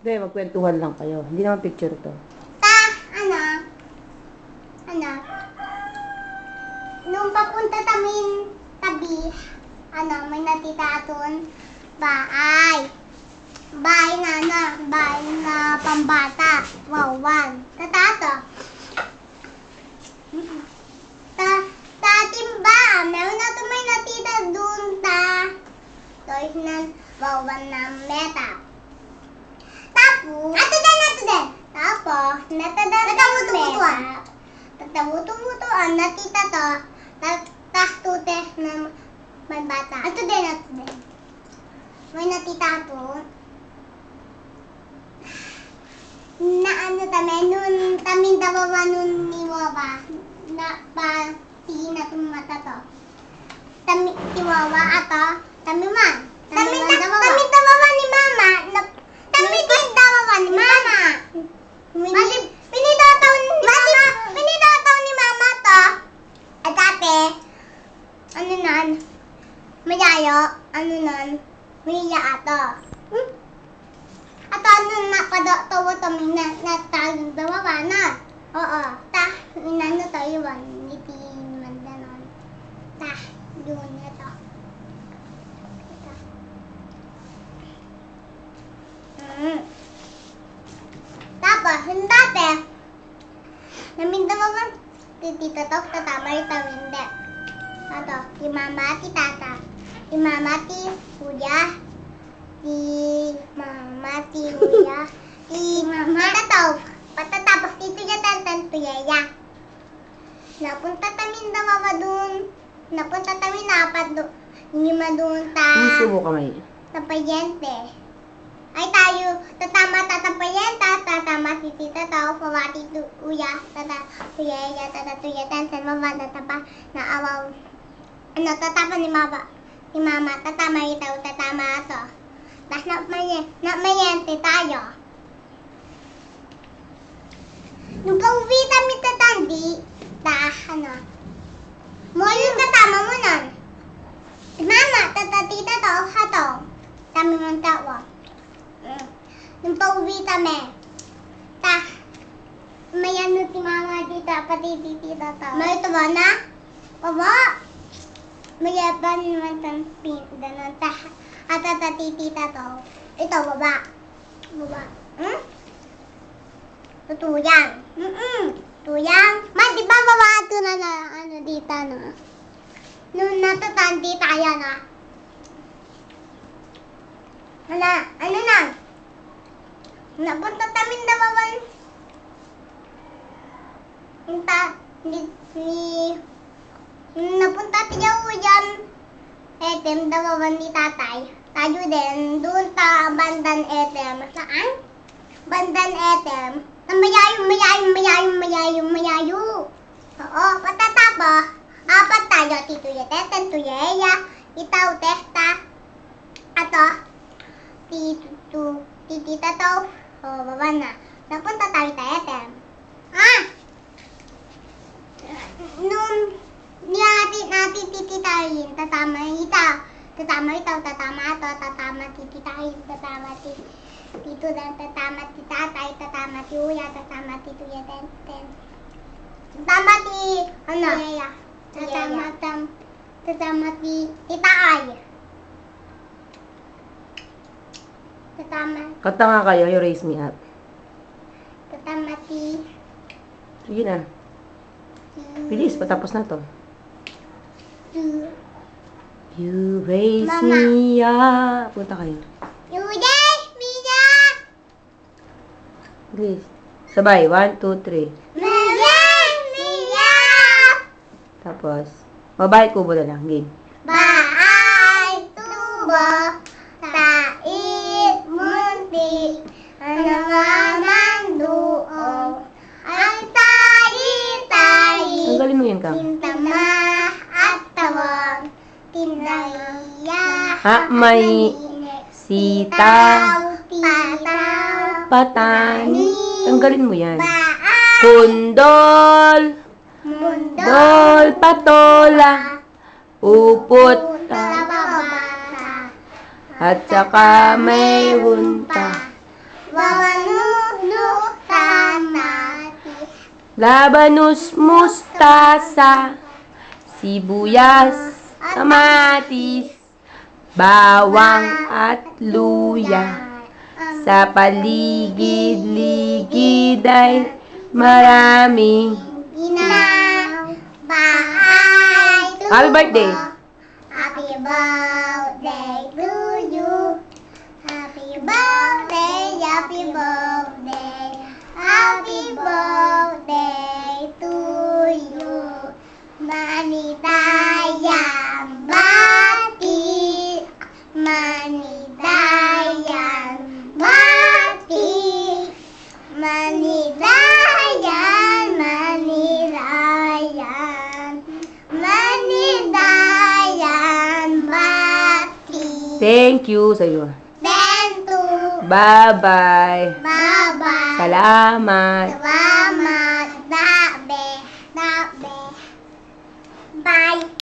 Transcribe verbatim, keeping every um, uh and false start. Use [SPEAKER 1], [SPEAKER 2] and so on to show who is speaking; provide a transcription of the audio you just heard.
[SPEAKER 1] Hindi, magkwentuhan lang kayo. Hindi naman picture to.
[SPEAKER 2] Ta, ano? Ano? Nung papunta tamin tabi, ano, may natita aton bahay. Bahay na, ano, bahay na pambata. Wawan. Tatato. Ta, tatim ba? Meron na ito may natita dun, ta. Toys na wawan na meta. Tapos, ato din, ato din. Tapos, natadan na meta. Tatamuto-mutoan, natita to. Tas tutes na may bata. Ato din, ato din. May natita to. Na ano tame, nun tamin dawawa nun ni Wawa. Na pa, tingin na itong mata to. Tami, si Wawa ato, tami man. Tami dawawa. Tami dawawa ni Mama. Na, tami din dawawa ni Mama. Mali, pinidataw ni Mama. Pinidataw ni Mama to. At ate, ano nun? Mayayo, ano nun? Maya ato. Hmm? At ano nakadatawa kami na natagong dawawa na. Oo. Ta, inano tayo yun. Ngiti mandanon. Ta, yun na to. Ito. Mm. Tapos, yung dati, namin dawawa, tito to, tatamay tawinde. Ito, si mama, si tata. Si mama, si kuya. Si mama, si kuya, si mama, tataw. Patatapos dito niya tantan tuyaya. Napunta tamin dawawa dun. Napunta tamin napat dun. Hindi madun ta.
[SPEAKER 1] Puso mo kamay.
[SPEAKER 2] Tapayente. Ay tayo, tatama tatapayenta, tatama si tita tao, pawati tuya, tata tuyaya, tata tuya, tantan, mama, tatapa, naawaw. Ano, tatapa ni mama. Si mama, tatama itaw, tatama ato. Tapos namayente tayo. Nung pauwi kami tatandi, ta, ano, mo yung katama mo nun. Si mama, tatatita to, hato. Kami mong tawa. Mm. Nung pauwi kami, ta, may ano si mama dito, pati tita to. May ito ba na? Baba. May yaban naman ng pin, ganun, ta. At tatatitita to. Ito, baba. Baba. Hmm? Tutuyang. Mm-mm. Tuyang. Ma, di ba baba ito na na, ano dito, no? Nung natatandi tayo, no? Hala, ano na? Napunta tamin dawawan. Punta, ni, ni, napunta tayo yan. Etem, dawawan ni tatay. Tayo din, doon ta bandan etem. Saan? Bandan etem. Mayayo, mayayo, mayayo, mayayo, mayayo. Oo, patatapa. Apat tayo, tito yateten, tuyeya, itaw, testa. Ato, tito, titita to. Oo, baba na. Napunta tayo tayo etem. Ah! Nung niyatit natin tititayin, tatama itaw. Tatama itaw, tatama ato, tatama tititayin, tatama titi. Tito dan tatama ti tatay, tatama ti uya, tatama ti tuya ten ten. Tatama ti ano? Tuya. Tatama tam tatama ti titaay. Tatama.
[SPEAKER 1] Kanta nga kayo, you raise me up.
[SPEAKER 2] Tatama ti.
[SPEAKER 1] Sige na. Bilis, patapos na to.
[SPEAKER 2] Tu.
[SPEAKER 1] You raise
[SPEAKER 2] Mama.
[SPEAKER 1] me up. Punta kayo.
[SPEAKER 2] You raise me up.
[SPEAKER 1] Bilis. Sabay. One, two, three.
[SPEAKER 2] You raise me up.
[SPEAKER 1] Tapos, babae kubo na lang. Game.
[SPEAKER 2] Bahay tubo, tait munti, ano nga man doon, ang tayi-tayi,
[SPEAKER 1] Tanggalin mo yun, Kang.
[SPEAKER 2] tintama at tawag, tinaya,
[SPEAKER 1] Ha, may sitaw,
[SPEAKER 2] pataw,
[SPEAKER 1] patani. Tanggalin mo yan.
[SPEAKER 2] baay,
[SPEAKER 1] Kundol,
[SPEAKER 2] mundo,
[SPEAKER 1] dol, patola, upot,
[SPEAKER 2] lababasa,
[SPEAKER 1] at saka may hunta.
[SPEAKER 2] Labanus tanati.
[SPEAKER 1] Labanus, mustasa, sibuyas, kamatis, bawang at luya. Sa paligid-ligid ay marami.
[SPEAKER 2] Inaw, bahay to
[SPEAKER 1] Happy birthday!
[SPEAKER 2] Happy birthday to you. Happy birthday, happy birthday. Happy birthday to you. Manitayang bati. Manitayang bati. Manidayan, manidayan. Manidayan bati.
[SPEAKER 1] Thank you sa'yo.
[SPEAKER 2] Then to
[SPEAKER 1] Bye-bye.
[SPEAKER 2] bye-bye.
[SPEAKER 1] Salamat.
[SPEAKER 2] Salamat. Dabe. Dabe. Bye.